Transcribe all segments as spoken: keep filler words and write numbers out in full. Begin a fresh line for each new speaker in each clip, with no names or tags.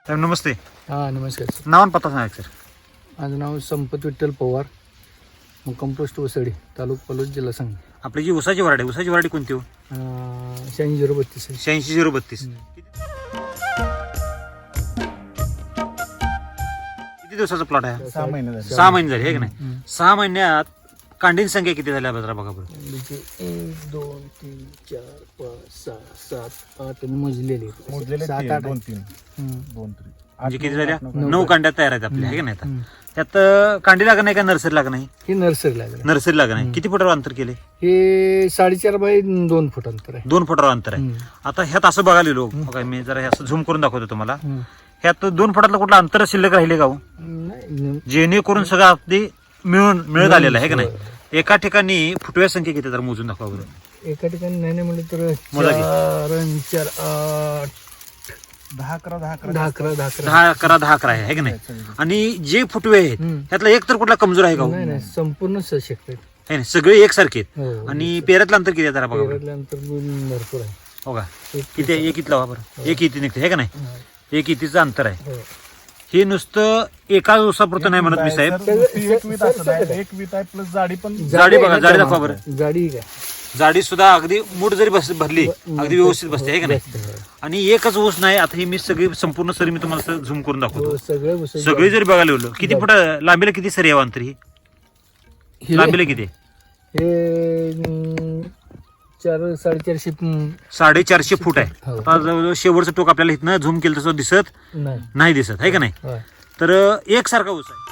साहेब नमस्ते.
हां नमस्कार सर.
नाव आणि पत्ता सांगा सर.
माझं नाव संपत विठ्ठल पवार, मुक्काम पोस्ट वसडी, तालुका पलोस, जिल्हा सांगली.
आपली जी उसाची वराडी उसाची वराडी कोणती हो?
शहाऐंशी झिरो बत्तीस आहे.
शहाऐंशी झिरो बत्तीस. किती दिवसाचा प्लॉट आहे?
सहा महिने झाले.
सहा महिने झाले हे की नाही? सहा महिन्यात कांडीन संख्या किती झाल्या बघा बघा बरं.
म्हणजे एक दोन तीन चार पाच सहा सात आठ आणि मोजलेले
मोजलेले
सात
तीन,
आठ
दोन तीन
हम्म.
दोन तीन
म्हणजे किती झाल्या?
नऊ
नऊ कांड्या तयार आहेत आपल्या हे की नाही?
हम्म.
आता त्यात कांडी लागत नाही का नर्सरी लागत नाही?
हे नर्सरी लागलं.
नर्सरी लागत नाही. किती फुटावर अंतर केले?
हे साडेचार बाय दोन फूट अंतर आहे.
दोन फुटावर अंतर आहे.
हम्म.
आता ह्यात असं बघायला लोक बघा, मी जरा हे असं झूम करून दाखवतो तुम्हाला.
हम्म.
ह्यात दोन फुटातलं कुठलं अंतर शिल्लक राहिले का हो?
नाही,
जेणेकरून सगळं अगदी मिळून मिळत आलेलं आहे की नाही?
होय.
एका ठिकाणी फुटव्या संख्या किती जर मोजून दाखवा बरं.
एका ठिकाणी नाही नाही म्हणलं तर
मोजा की.
चार आणि चार आठ
दहा अकरा दहा अकरा
दहा अकरा दहा अकरा
दहा अकरा दहा अकरा आहे है की नाही? आणि जे फुटवे आहेत
हम्म.
त्यातला एक तर कुठला कमजोर आहे का हो?
नाही नाही संपूर्ण सशक्त आहेत.
है ना? सगळे एकसारखे आहेत.
हो.
आणि पेऱ्यातलं अंतर किती आहे जरा बघा बरं.
पेरल्यानंतर गुण भरपूर आहे.
हो का?
एक
किती आहे? एक इथला बरं. एक इथे निघते है का नाही?
हा.
एक इथीचं अंतर आहे.
हो.
हे नुसतं एका दिवसापुरतं नाही म्हणत मी साहेब.
सर, ती एक वीत असत आहे, एक वीत आहे प्लस जाडी पण
जाडी बघा,
आहे ना
जाडी
त्या
दाखवा बरं.
मापात. जाडी काय
जाडी सुद्धा अगदी मूठ जरी बस भरली अगदी व्यवस्थित बसते है का नाही?
बसते, हो.
आणि एकच ऊस नाही. आता ही मी सगळी संपूर्ण सरी मी तुम्हाला झूम करून दाखवतो.
हो, सगळं बसत-
सगळी जरी बघायला गेलो किती फुट लांबीला किती सरी आहे अंतर ही?
हे-
लांबीला किती आहे?
हे अं, चार साडेचारशे अं,
साडेचारशे फूट आहे.
हो.
आता जवळजवळ शेवटचं टोक आपल्याला इथनं झूम केलं तसं दिसत
नाही
नाही दिसत आहे का नाही?
होय.
तर एकसारखा ऊस आहे.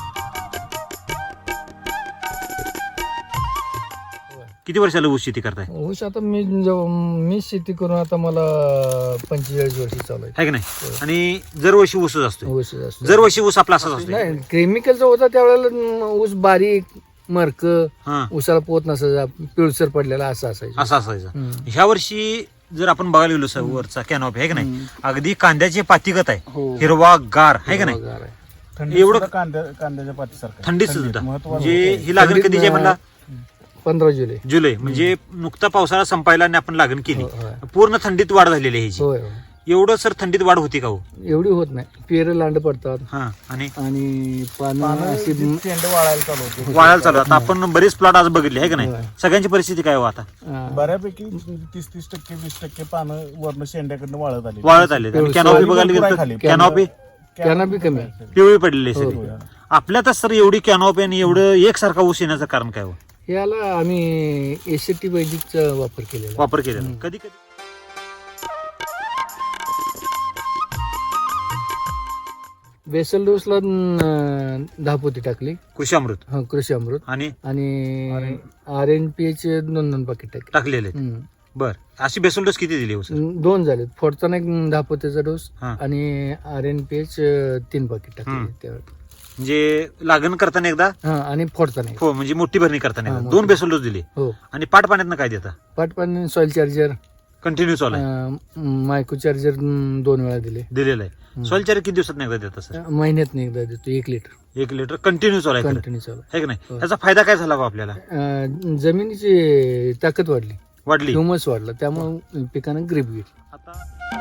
किती वर्षाला ऊस शेती करताय
ऊस आता मी जेव्हा- मी शेती करून आता मला पंचेचाळीस वर्ष चालू आहे.
आहे का नाही? आणि दरवर्षी ऊसच असतो.
ऊस असतो.
दरवर्षी ऊस आपला असाच असतो.
नाही केमिकलचा होता त्यावेळेला अं, ऊस बारीक मरक
हा
ऊसाला पोत नसायचा, पिळसर पडलेला असं असायचं.
असा असायचा.
हम्म.
ह्या वर्षी जर आपण बघायला गेलो सर वरचा कॅनॉपी आहे का नाही? अगदी कांद्याची पातीगत आहे.
हो.
हिरवा गार आहे का नाही?
गार आहे.
थंडी
एवढं-
सुद्धा कांद्या कांद्याच्या पातीसारखं आहे.
थंडीत
थंडीत
सुद्धा
महत्वाचं
म्हणजे
होतं.
ही लागण
थंडीत
कधीची आहे म्हणला?
पंधरा जुलै.
जुलै म्हणजे नुकता पावसाळा संपायला आणि आपण लागण केली.
हो, होय.
पूर्ण थंडीत वाढ झालेली आहे ह्याची.
होय होय.
एवढं सर थंडीत वाढ होती का हो?
एवढी होत नाही. पेर लांड पडतात
हा आणि
आणि पानं
पानं
अशी
जी शेंडे वाळायला चालू होते.
वाढायला चालू आहे. आता आपण बरेच प्लॉट आज बघितले आहे का नाही?
होय.
सगळ्यांची परिस्थिती काय हो आता?
अं,
बऱ्यापैकी तीस तीस टक्के वीस टक्के पानं वर्ण शेंड्याकडनं वाळत आली.
वाळत आले. आणि कॅनॉपी बघायला गेलं तर
खाली.
कॅनॉपी
कॅनॉपी बी कमी आहे.
पिवळी पडलेली आहे
हो,
सगळी.
हो.
आपल्यातच सर एवढी कॅनॉपी आणि एवढं एकसारखा ऊस येण्याचं कारण काय हो?
याला आम्ही एसीटी वैदिकचा वापर केलेला आहे.
वापर केलेला कधी कधी
बेसल डोसला अं, दहा पोती टाकली.
कृषी अमृत
हा कृषी अमृत
आणि
आणि आर एन पी एच दोन दोन पाकिट टाकले.
टाकलेले आहेत.
हम्म.
बर अशी बेसल डोस किती दिली हो सर?
दोन झाले. फोडताना एक दहा पोतीचा डोस
हा.
आणि आर एन पी एच तीन पाकिट टाकले
हम्म.
त्यावेळी.
म्हणजे लागण करताना एकदा
हा आणि फोडताना एक.
हो म्हणजे मोठी भरणी करताना
हा,
एकदा
मोठी.
दोन बेसल डोस दिली.
हो
आणि पाट पाण्यात काय देता?
पाटपाणी सॉइल चार्जर
कंटिन्यू चालू आहे.
मायक्रो चार्जर दोन वेळा दिले.
दिलेलं आहे. सॉइल चार्जर किती दिवसात एकदा देता सर?
महिन्यात एकदा देतो एक लिटर
एक लिटर कंटिन्यू चालू आहे खरं.
कंटिन्यू चालू.
आहे की नाही?
हो.
त्याचा फायदा काय झाला हो आपल्याला?
अं, जमिनीची ताकद वाढली,
वाढली.
ह्युमस वाढलं, त्यामुळे पिकानं ग्रीप घेतली.
आता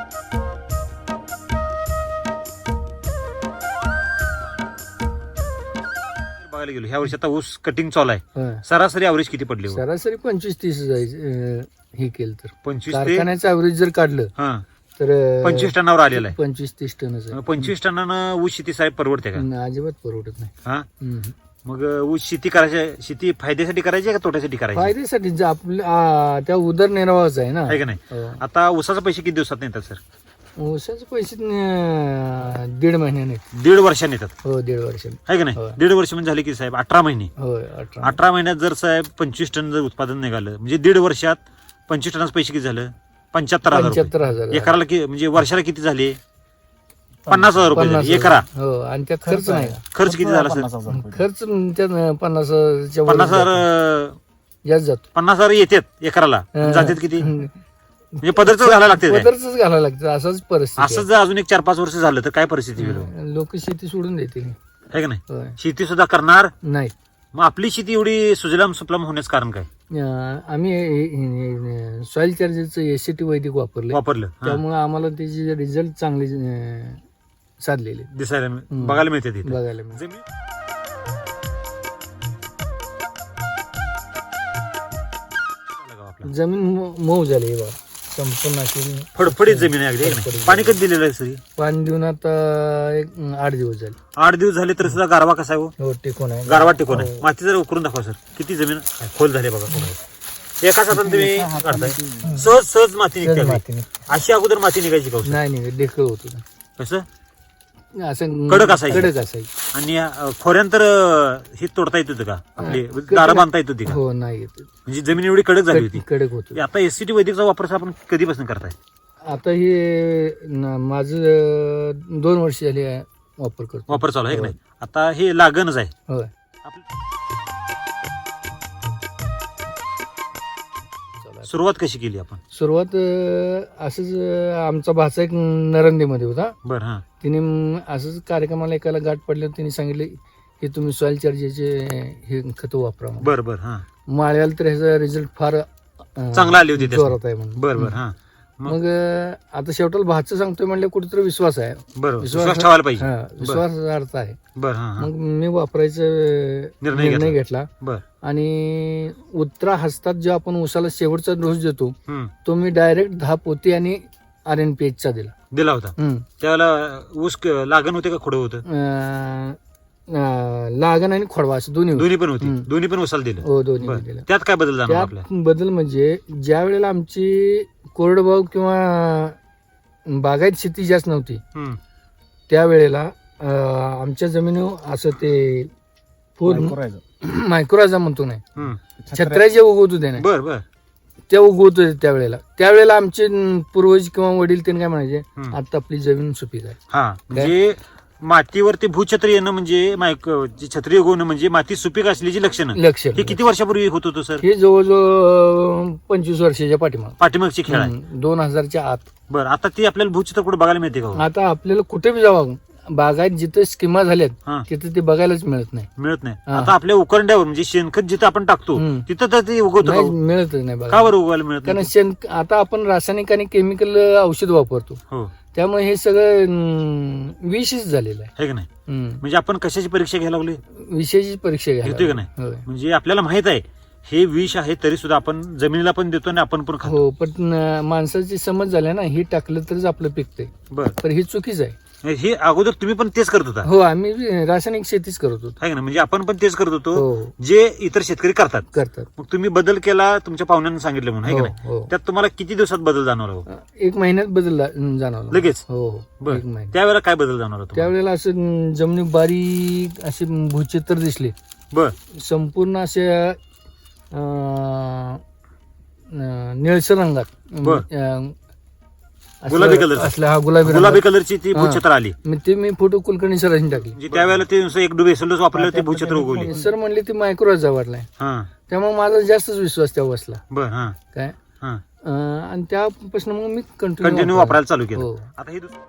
बघायला गेलो ह्या वर्षी आता ऊस कटिंग चालू आहे.
हा.
सरासरी ॲव्हरेज किती पडली हो?
सरासरी पंचवीस तीस जायचं हे केलं तर.
पंचवीस ते
कारखान्याचं ॲव्हरेज जर काढलं
हा
तर अं,
पंचवीस टनावर आलेला आहे.
पंचवीस तीस टनच आहे.
मग पंचवीस टनानं ऊस शेती साहेब परवडते का?
न, अजिबात परवडत नाही.
हा
हम्म.
मग ऊस शेती करायची शेती फायद्यासाठी करायची का तोट्यासाठी करायची?
फायद्यासाठी जे आपल्या आ, त्या उदरनिर्वाहाच आहे ना.
आहे का नाही?
हो.
आता ऊसाचे पैसे किती दिवसात येतात सर?
ऊसाचे पैसे अं, दीड महिन्याने.
दीड वर्षाने येतात.
हो दीड वर्षाने.
आहे का नाही?
होय.
दीड वर्ष म्हणजे झाले की साहेब अठरा महिने.
होय अठरा.
अठरा महिन्यात जर साहेब पंचवीस टन जर उत्पादन निघालं म्हणजे दीड वर्षात पंचवीस टनाचं पैसे किती झालं? पंच्याहत्तर हजार रुपये.
पंच्याहत्तर हजार झाले.
एकराला कि म्हणजे वर्षाला किती झाले? पन्नास हजार रुपये
पन्नास
झाले.
हजार.
एकरा
हो आणि त्यात खर्च नाही का?
खर्च किती झाला सर?
पन्नास हजार रुपये.
खर्च त्यात पन्नास हजारच्या वर
पन्नास हजार
जातो.
अं,
जास्त जातो.
पन्नास हजार येतात एकराला.
हं.
जातात किती? म्हणजे पदरच घालायला लागते काय?
पदरच घालायला लागतं. असंच परिस्थिती
असं जर अजून एक चार पाच वर्ष झालं तर काय परिस्थिती होईल?
आहे. लोक शेती सोडून देतील.
आहे का नाही?
होय.
शेती सुद्धा करणार.
नाही
मग आपली शेती एवढी सुजलाम सुफलाम होण्याचं कारण काय?
अं, आम्ही सॉइल चार्जरचं एसीटी वैदिक वापरले.
वापरलं हा.
त्यामुळे आम्हाला त्याची रिझल्ट चांगले अं, साधलेले
दिसायला बघायला मिळते तिथे.
बघायला मिळते.
जमीन
जमीन मऊ- मऊ झाली आहे बा संपूर्ण अशी
फडफडीत जमीन आहे अगदी है का नाही? पाणी कधी दिलेलं आहे सर?
पाणी देऊन आता एक आठ दिवस झाले.
आठ दिवस झाले तरी सुद्धा गारवा कसा आहे हो?
हो टिकून आहे.
गारवा टिकून आहे. माती जरा उकरून दाखवा सर, किती जमीन खोल झाली बघा. एका हातात तुम्ही काढताय सहज सहज माती निघते अगदी.
माती नाही.
अशी अगोदर माती निघायची का हो सर?
नाही नाही डेखळ होत होतं.
कसं
असं
कडक असायची.
कडक असायची.
आणि अं, खोऱ्यांतर अं, हे तोडता येत होतं का आपली दारं बांधता येत होती का?
हो नाही येत.
म्हणजे जमीन एवढी कडक झाली होती.
कडक होत.
आता एससीटी वैदिकचा वापर आपण कधीपासून करताय?
आता हे न- माझं अं, दोन वर्ष झाली आहे वापर करतो.
वापर चालू आहे की नाही? आता हे लागणच आहे.
होय.
सुरुवात कशी केली आपण?
सुरुवात अं, असंच अं, आमचा भाचा एक नरंदेमध्ये होता.
बर हा
तिने म- असंच कार्यक्रमाला एकाला गाठ पडले तिने सांगितले की तुम्ही सॉइल चार्जरचे हे खतं वापरा म्हणून.
बर बर हा
माळ्याला तर ह्याचा रिझल्ट फार अं,
चांगला आली होती त्याची.
जोरात आहे म्हणून.
बर बर हा मग-
मग अं, आता शेवटाला भाचं सांगतोय म्हणले कुठेतरी विश्वास आहे.
बरोबर विश्वास ठेवायला पाहिजे.
हा, विश्वासार्थ आहे.
बर हा हा
मग मी वापरायचा
निर्णय
निर्णय
घेतला.
घेतला
बर
आणि उत्तरा हस्तात जो आपण उसाला शेवटचा डोस देतो
हम्म
तो मी डायरेक्ट दहा पोती आणि आर एन पी एच चा दिला.
दिला होता.
हम्म.
त्यावेळेला ऊस क- लागण होते का खोडं होतं?
अं, अं, लागण आणि खोडवा असं दोन्ही होते.
दोन्ही पण होती.
हम्म.
दोन्ही पण उसाला दिलं.
हो दोन्ही
बर.
दिलं.
त्यात काय बदल जाणार आपल्या?
त्यात बदल म्हणजे ज्या वेळेला आमची कोरडवाहू किंवा बागायत शेती जास्त नव्हती
हम्म.
त्यावेळेला अं, आमच्या जमिनीवर असं ते फूल
करायचं.
मायक्रोराजा म्हणतो नाही
हम्म.
छत्र्या जे उगवत होते ना
बर बर
ते उगवत होते त्यावेळेला त्यावेळेला आमचे न, पूर्वज किंवा वडील त्यांनी काय म्हणायचे
हम्म.
आता आपली जमीन सुपीक आहे.
हा म्हणजे मातीवरती भूछत्र येणं म्हणजे मायक जी छत्री उगवणं म्हणजे माती सुपीक असल्याची लक्षणं.
लक्ष
हे किती वर्षापूर्वी होत होतं सर?
हे जवळजवळ पंचवीस वर्षाच्या पाठीमाग
पाठीमागची खेळ आहे.
दोन हजारच्या आत.
बरं आता ती आपल्याला भूचित्र कुठे बघायला मिळते का हो?
आता आपल्याला कुठे बी जावं बागायत जिथे स्कीमा झाल्यात
हा
तिथे ते बघायलाच मिळत नाही.
मिळत नाही.
हा.
आता आपल्या उकरंड्यावर म्हणजे शेणखत जिथं आपण टाकतो
हम्म.
तिथं तर ते उगवतं का
नाही,
हो?
मिळतच नाही
का
बघा.
बरं उगवायला मिळत
कारण
नाही?
शेण आता आपण रासायनिक आणि केमिकल औषध वापरतो
हो
त्यामुळे हे सगळं अं, विषच झालेलं आहे.
आहे का नाही?
हम्म.
म्हणजे आपण कशाची परीक्षा घ्यायला लागली?
विषयाची परीक्षा घ्यायला
घेतोय का नाही?
होय.
म्हणजे आपल्याला माहित आहे हे विष आहे तरी सुद्धा आपण जमिनीला पण देतो आणि आपण पण खातो.
हो पण अं, माणसाची समज झाली ना हे टाकलं तरच आपलं पिकतंय
बर
पण हे चुकीच आहे.
हे अगोदर तुम्ही पण तेच करत होता
हो आम्ही रासायनिक शेतीच करत होतो.
आहे का ना? म्हणजे आपण पण तेच करत होतो
हो
जे इतर शेतकरी करतात.
करतात.
मग तुम्ही बदल केला तुमच्या पाहुण्यांना सांगितलं म्हणून आहे
हो
का नाही?
हो
त्यात तुम्हाला किती दिवसात बदल जाणवला हो?
एक महिन्यात बदल ला- जाणवला
लगेच?
हो हो
बर
एक महिना.
त्यावेळेला काय बदल जाणवला तुम्हाला?
त्यावेळेला असं अं, जमिनी बारीक असे भूचित्र दिसले
बर
संपूर्ण असे अं, अं, निळसर रंगात
बर.
अं, असलं-
गुलाबी कलरचं.
असलं हा गुलाबी
गुलाबी
रंगात.
कलरची ती
हा.
भूछत्र आली.
मी ते मी फोटो कुलकर्णी सरांनी टाकली.
म्हणजे त्यावेळेला ते नुसतं एक डुबे सोलच वापरलं ते भूछत्र उगवली.
सर म्हणले ते मायक्रोराजा वाढलाय
हा
त्यामुळे माझा जास्तच विश्वास त्या बसला
बर हा
काय
हा
अं, आणि त्यापासून मग मी कंटिन्यू
कंटिन्यू वापरायला चालू केलं.
हो.
आता हे दुस-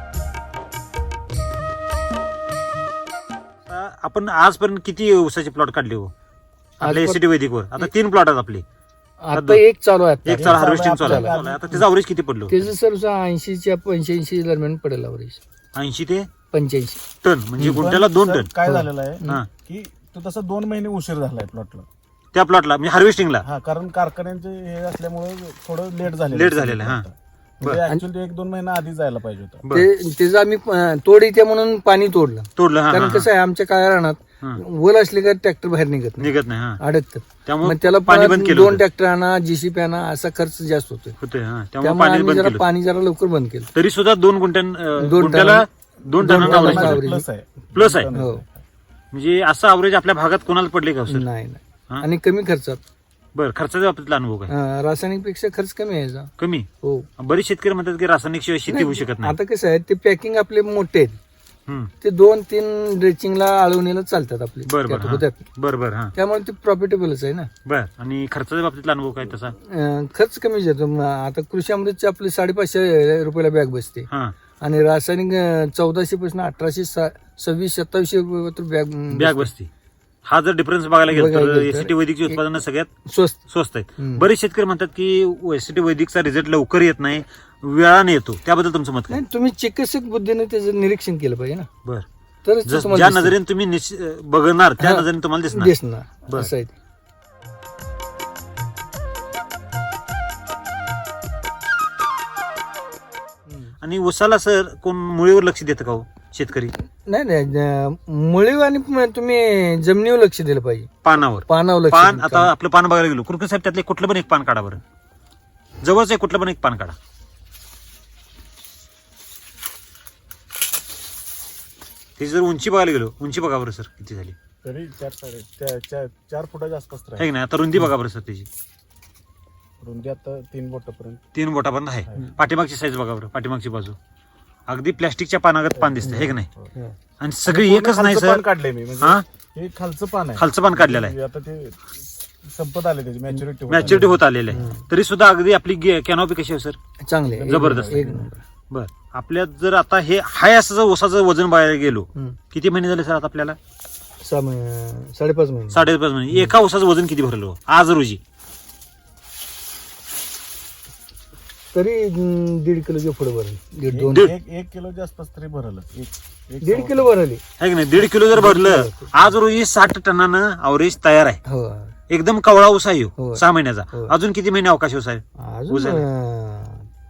आता आपण आजपर्यंत किती ऊसाचे प्लॉट काढले हो आपल्या
आजपर-
एसीटी वैदिकवर? आता तीन प्लॉट आहेत आपले.
आता एक चालू आहे
एक
आता.
चार हार्वेस्टिंग चालू आहे.
चालू आहे.
आता त्याचं अवरेज किती पडलं?
त्याचं सर ऐंशीच्या पंच्याऐंशी दरम्यान पडेल अवरेज.
ऐंशी ते
पंच्याऐंशी
टन म्हणजे
पण
गुंठ्याला दोन
सर,
टन.
काय
हो.
झालेलं आहे
हा
की तो तसा दोन महिने उशीर झालाय प्लॉटला.
त्या प्लॉटला म्हणजे हार्वेस्टिंगला
हा कारण कारखान्यांचे हे असल्यामुळे थोडं लेट झालं.
लेट झालेलं आहे, हा. बरं.
ऍक्च्युअली एक दोन महिना आधी जायला पाहिजे होतं.
बरं.
ते त्याचं आम्ही अं, तोड येते म्हणून पाणी तोडलं.
तोडलं हा,
कारण
हा,
कसं आहे आमच्या काय रानात
हा.
वल असले का ट्रॅक्टर बाहेर निघत
हा.
नाही
निघत नाही हा
अडकतात.
त्यामुळे
मग त्याला
पाणी
परत
बंद केलं
दोन
होतं.
ट्रॅक्टर आणा जीसीपी आणा असा खर्च जास्त होतोय.
होतोय हा त्यामुळे
त्यामुळे
पाणी
आम्ही
बंद
जरा
केलं.
पाणी जरा लवकर बंद केलं.
तरी सुद्धा दोन गुंठ्यां अं,
दोन
गुंठ्याला
टन-
दोन
दोन
टनांना
टनांचा
average.
average.
प्लस आहे.
प्लस आहे.
हो
म्हणजे असं अवरेज आपल्या भागात कोणाला पडले का सर?
नाही
हा?
नाही आणि कमी खर्चात.
बरं खर्चाच्या बाबतीतला अनुभव काय?
अं, रासायनिक पेक्षा खर्च कमी आहे याचा.
कमी.
हो
बरेच शेतकरी म्हणतात की रासायनिक शिवाय शेती होऊ शकत नाही.
आता कसं आहे ते पॅकिंग आपले मोठे आहेत
हम्म.
ते दोन तीन ड्रेचिंगला आळवणीला चालतात आपले
बरं
त्यात
बरं
होत्यात.
हा. बरं बरं हा
त्यामुळे ते प्रॉफिटेबलच आहे ना.
बर आणि खर्चाच्या बाबतीतला अनुभव काय तसा?
अं, खर्च कमी येतो. म, आता कृषी अमृतचे आपले साडेपाचशे रुपयाला बॅग बसते
हा
आणि रासायनिक चौदाशे पासून अठराशे सा- सव्वीस सत्तावीसशे रुपये बॅग
बॅग बसते. हा जर डिफरन्स बघायला गेलो
बघायला
तर
गेलं तर
एसीटी वैदिकची उत्पादनं सगळ्यात
स्वस्त.
स्वस्त आहेत.
हम्म.
बरेच शेतकरी म्हणतात की एसीटी वैदिकचा रिझल्ट लवकर येत नाही वेळाने येतो त्याबद्दल तुमचं मत काय?
नाही तुम्ही चिकित्सक बुद्धीने त्याचं निरीक्षण केलं पाहिजे ना,
बर
तरच ते
जस-
तुम्हाला
ज्या
दिसेल.
नजरेने तुम्ही निश्च- बघणार त्या
हा.
नजरेने तुम्हाला दिसणार.
दिसणार
बरं.
असं आहे ते.
आणि उसाला सर कोण मुळीवर लक्ष देतं का हो शेतकरी?
नाही नाही अं, मुळीव आणि म- तुम्ही जमिनीवर लक्ष दिलं पाहिजे,
पानावर
पानावर लक्ष
पान
दिलं
आता आपलं पान बघायला गेलो कुरकर साहेब त्यातले कुठलं पण एक पान काढा बरं, जवळच आहे कुठलं पण एक पान काढा. ती जर उंची बघायला गेलो उंची बघा बरं सर किती झाली
तरी चार साडे चार- चार- चार फुटाच्या आसपास तर
आहे
आहे.
की नाही? आता रुंदी बघा बरं सर त्याची
रुंदी आता तीन बोटापर्यंत.
तीन बोटापर्यंत आहे. पाठीमागची साईज बघा बरं, पाठीमागची बाजू अगदी प्लास्टिकच्या पानागत पान दिसतं हे की नाही?
हं.
आणि सगळी
पूर्ण
एकच नाही
खालचं
सर,
पान काढले मी म्हणजे
हा
हे खालचं पान आहे.
खालचं पान काढलेलं आहे,
म्हणजे आता ते संपत आले त्याची मॅच्युरिटी
मॅच्युरिटी होत आलेलं आहे. तरी सुद्धा अगदी आपली कॅनॉपी कशी आहे सर?
चांगले एक
जबरदस्त.
नंबर, एक नंबर.
बर आपल्यात जर आता हे हाय असं जर ऊसाचं वजन बघायला गेलो
हं.
किती महिने झाले सर आता आपल्याला?
सहा महिने साडेपाच महिने
साडेपाच महिने. एका ऊसाचं वजन किती भरलं आज रोजी?
तरी अं, दीड किलोच्या पुढे भरली, दीड दोन
दीड-
एक एक किलोच्या आसपास तरी भरलं. एक एक
दीड किलो भरली.
आहे की नाही? दीड किलो जर भरलं आज रोजी साठ टनानं अवरेज तयार आहे.
हो
एकदम कवळा ऊस आहे ह्यो,
हो.
सहा महिन्याचा.
हो.
अजून किती महिने अवकाश ऊस आहे?
अजून
उजळ.
अं,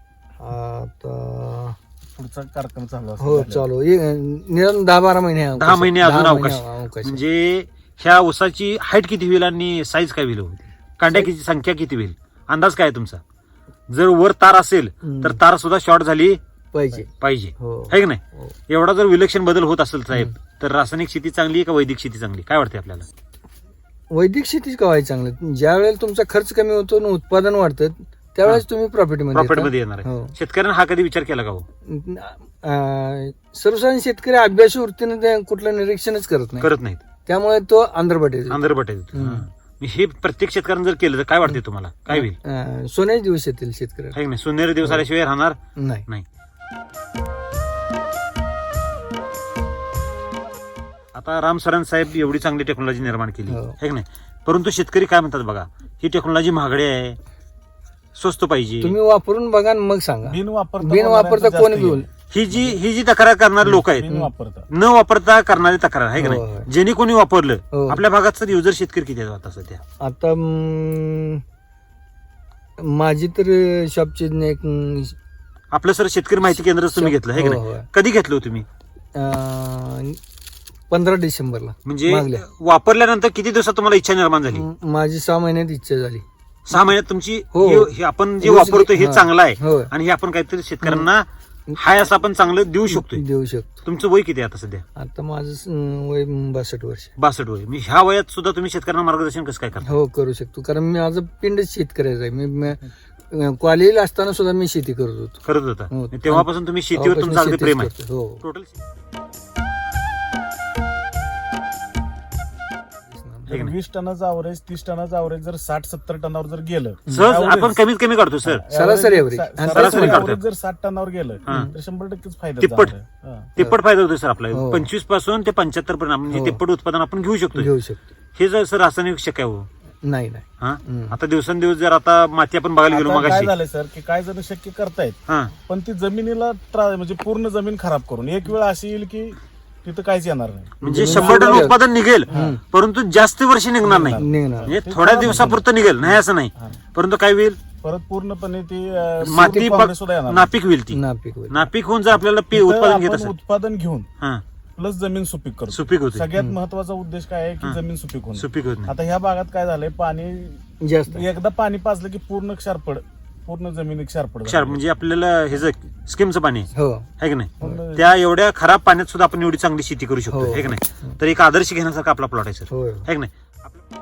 आता
पुढचा कार्यक्रम चालू असतो.
हो चालू एक- निदान दहा बारा महिने आहे
दहा
अवकाश.
महिने अजून
दहा
अवकाश.
महिने अवकाश.
म्हणजे ह्या ऊसाची हाईट किती होईल आणि साईज काय होईल? कांड्या किती संख्या किती होईल? अंदाज काय आहे तुमचा? जर वर तार असेल
हम्म.
तर तार सुद्धा शॉर्ट झाली
पाहिजे
पाहिजे
हो
आहे की नाही?
हो.
एवढा जर विलक्षण बदल होत असेल साहेब तर रासायनिक शेती चांगली आहे का वैदिक शेती चांगली? काय वाटते आपल्याला?
वैदिक शेतीच कवाय चांगलं. ज्या वेळेला तुमचा खर्च कमी होतो आणि उत्पादन वाढतं त्यावेळेस तुम्ही प्रॉफिट मध्ये
प्रॉफिट
येता.
मध्ये येणार आहे.
हो.
शेतकऱ्यांना हा कधी विचार केला का हो?
अं, सर्वसाधारण शेतकरी अभ्यासू वृत्तीने ते कुठलं निरीक्षणच करत नाही,
करत नाहीत,
त्यामुळे तो आंध्रपट येतो.
आंध्रपट आहे.
हम्म.
हा. हे प्रत्येक शेतकऱ्यांनी जर केलं तर काय वाटते तुम्हाला? काय होईल?
अं, सोन्याचे दिवस येतील शेतकऱ्याला.
आहे की नाही? सोनेरी दिवस आल्याशिवाय राहणार
नाही
नाही. आता राम सरन साहेब एवढी चांगली टेक्नॉलॉजी निर्माण केली
हो.
आहे की नाही? परंतु शेतकरी काय म्हणतात बघा, ही टेक्नॉलॉजी महागडी आहे, स्वस्त पाहिजे.
तुम्ही वापरून बघा आणि मग सांगा.
बिन वापरता
बिन वापरता
जास्त
कोण
येईल.
घेऊन
ही जी ही जी तक्रार करणारे लोक आहेत
बिन वापरता
न वापरता करणारी तक्रार आहे की
हो,
नाही?
हो.
ज्यांनी कोणी वापरलं
हो.
आपल्या भागात सर युजर शेतकरी किती आहेत आता सध्या?
आता अं, माझी तर शॉपची एक अं,
आपलं सर शेतकरी माहिती केंद्र तुम्ही घेतलं आहे की
हो,
नाही?
हो.
कधी घेतलं हो तुम्ही?
अं, पंधरा डिसेंबरला
म्हणजे
मागल्या.
वापरल्यानंतर किती दिवसात तुम्हाला इच्छा निर्माण झाली?
म- माझी सहा महिन्यात इच्छा झाली.
सहा महिन्यात तुमची
हो.
हे- हे आपण जे
रोज-
वापरतो हे
हा.
चांगलं आहे
हो.
आणि हे आपण काहीतरी शेतकऱ्यांना हाय असं आपण चांगलं देऊ शकतोय.
देऊ शकतो.
तुमचं वय किती आहे आता सध्या?
आता माझं अं, वय बासष्ट वर्ष.
बासष्ट वय. मी ह्या वयात सुद्धा तुम्ही शेतकऱ्यांना मार्गदर्शन कसं काय करता?
हो करू शकतो, कारण मी माझं पिंडच शेतकऱ्याचं आहे. मी अं, कॉलेजला असताना सुद्धा मी शेती करत होतो.
करत होता
हो.
तेव्हापासून तुम्ही शेतीवर
तेव्हापासून
तुमचं अगदी
शेतीच
प्रेम आहे
करतो. हो
टोटल
जर वीस टनाचं अवरेज तीस टनाचं अवरेज जर साठ सत्तर टनावर जर गेलं
सहज
average-
आपण कमीत कमी काढतो सर.
सरासरी average.
सा-
आणि
सरासरी
सरासरी
average
काढतो.
जर साठ टनावर गेलं
हा.
तर शंभर टक्केच फायदा
तिप्पट.
जाणार आहे. हा.
तिप्पट फायदा होतो सर आपला.
हो.
पंचवीस पासून ते पंच्याहत्तर पर्यंत म्हणजे
हो.
तिप्पट उत्पादन आपण घेऊ शकतो.
घेऊ शकतो.
हे जर सर रासायनिक शक्य आहे हो.
नाही नाही
हा
हम्म.
आता दिवसेंदिवस जर आता माती आपण बघायला गेलो
आता काय
मगाशी
झालंय सर की काय जण शक्य करतायत
हा
पण ती जमिनीला त्रा- म्हणजे पूर्ण जमीन खराब करून एक वेळ अशी येईल की तिथं काहीच येणार नाही.
म्हणजे
जमीन
शंभर टन
सोडून
उत्पादन निघेल परंतु जास्त वर्ष निघणार नाही.
निघणार.
म्हणजे थोड्या दिवसापुरतं निघेल नाही असं नाही,
हा.
परंतु काय होईल
परत पूर्णपणे ती अं,
माती
सूर्य पावडर सुद्धा येणार नाही.
नापीक होईल ती.
नापीक होईल.
नापीक होऊन जर आपल्याला पीक
तिथं
उत्पादन घेत
आपण
असेल
उत्पादन घेऊन
हा
प्लस जमीन सुपीक करतो.
सुपीक होते
सगळ्यात महत्वाचा उद्देश काय आहे की जमीन सुपीक होणे.
सुपीक होत नाही.
आता ह्या भागात काय झालंय पाणी
जास्त
एकदा पाणी पाजलं की पूर्ण क्षारपड पूर्ण जमीन क्षारपड
क्षार म्हणजे आपल्याला हे जे स्कीमचं पाणी आहे
हो
है की नाही?
पण
त्या एवढ्या खराब पाण्यात सुद्धा आपण एवढी चांगली शेती करू शकतो
हो.
है की नाही? तर एक आदर्श घेण्यासारखा आपला प्लॉट आहे सर
हो
है की नाही? आपलं-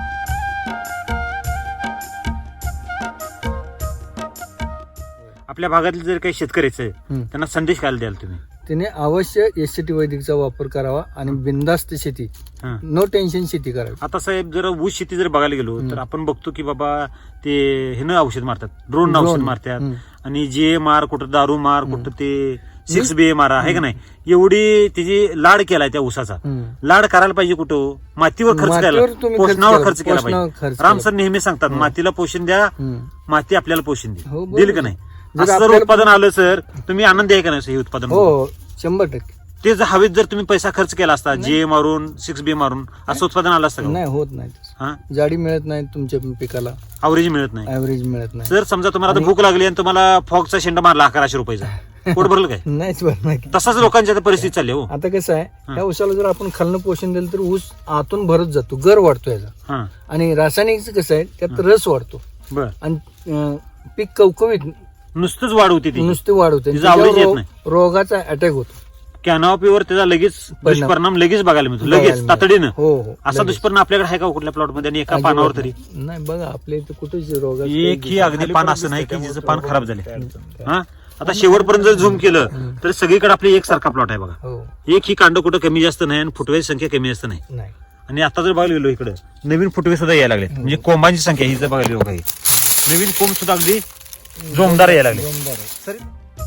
आपल्या भागातील जर काही शेतकरी आहेत
हम्म.
त्यांना संदेश काय द्याल तुम्ही?
त्याने अवश्य एस टी वैदिकचा वापर करावा आणि बिनधास्त शेती
हा.
नो टेन्शन शेती करावी.
आता साहेब जर ऊस शेती जर बघायला गेलो तर आपण बघतो की बाबा ते हे न औषध मारतात, ड्रोन औषध
Drone.
मारतात
हम्म.
आणि जे मार कुठं दारू मार कुठं ते सिक्स बी मारा आहे का नाही? एवढी त्याची लाड केलाय त्या ऊसाचा.
हम्म.
लाड करायला पाहिजे कुठं? मातीवर खर्च
मातीवर
केला,
तुम्ही खर्च
पोषणावर
केला,
खर्च केला
पोषणावर
पाहिजे.
खर्च
राम
केला.
सर नेहमी सांगतात मातीला पोषण द्या,
हम्म.
माती आपल्याला पोषण
हो,
दे
बरोबर.
देईल का नाही? असं जर
आपल्याला-
उत्पादन आलं सर तुम्ही आनंदी आहे का नाही हे उत्पादन
हो हो, शंभर टक्के
ते जर हवेत जर तुम्ही पैसा खर्च केला असता जे मारून सिक्स बी मारून असं उत्पादन आलं असतं का
नाही होत नाही तसं.
हा
जाडी मिळत नाही तुमच्या पिकाला,
अवरेज मिळत नाही
ऍव्हरेज मिळत नाही.
जर समजा तुम्हाला आता भूक लागली आणि तुम्हाला फॉगचा शेंडा मारला अकराशे रुपयाचा पोट भरलं काय
नाहीच बरं नाही.
तसाच लोकांची आता परिस्थिती चालली हो
आता कसं आहे, ह्या ऊसाला जर आपण खालनं पोषण दिलं तर ऊस आतून भरत जातो, गर वाढतो याचा.
हा
आणि रासायनिकचं कसं आहे, त्यात रस वाढतो
बर
आणि अं, पीक कवकवीत
नुसतंच वाढ होती ती
नुसते वाढवते.
तिचं average येत नाही.
रोगाचा अटॅक होतो.
कॅनॉपीवर त्याचा लगेच
परिणाम.
दुष्परिणाम लगेच बघायला मिळतो
बघायला
लगेच
मिळतो.
तातडीनं
हो हो
असा
लगेच.
दुष्परिणाम आपल्याकडे आहे का कुठल्या प्लॉट मध्ये आणि एका
अजिबात
पानावर तरी
नाही. नाही बघा आपल्या इथे कुठेच रोगा
एक ही अगदी पान असं नाही की जिचं पान खराब झाले हा आता शेवटपर्यंत जर झूम केलं तर सगळीकडे आपली एकसारखा प्लॉट आहे बघा.
हो
एक ही कांड कुठं कमी जास्त नाही आणि फुटव्याची संख्या कमी जास्त नाही.
नाही
आणि आता जर बघायला गेलो इकडे नवीन फुटवे सुद्धा यायला लागले म्हणजे कोंबांची संख्या ही जर बघायला गेलो काही नवीन कोंब सुद्धा अगदी जोमदार यायला लागले.
जोमदार आहे.
सर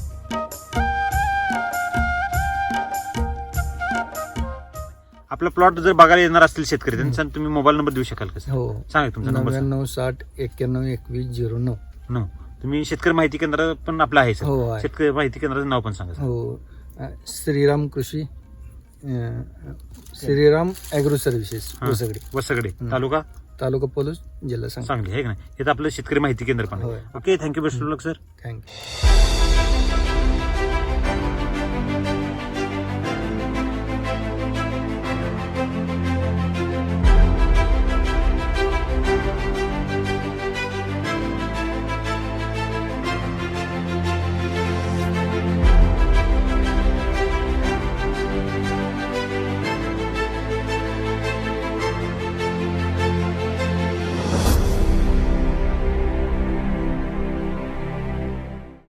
आपला प्लॉट जर बघायला येणार असतील शेतकरी त्यांचा तुम्ही मोबाईल नंबर देऊ शकाल का सर?
हो
सांगा तुमचा नंबर सांगा.
नव्याण्णव साठ एक्क्याण्णव एकवीस झिरो नऊ.
न तुम्ही शेतकरी माहिती केंद्र पण आपलं आहे
हो
सर
आहे.
शेतकरी माहिती केंद्राचं नाव पण सांगा सर.
हो अ, श्रीराम कृषी अ, श्रीराम ॲग्रो सर्व्हिसेस
हा.
वसगडे,
वसगडे तालुका
तालुका पोलीस जिल्हा सांगली.
सांगली आहे का नाही हे तर आपलं शेतकरी माहिती केंद्र पण आहे.
होय.
Okay thank you best of luck sir.
Thank you.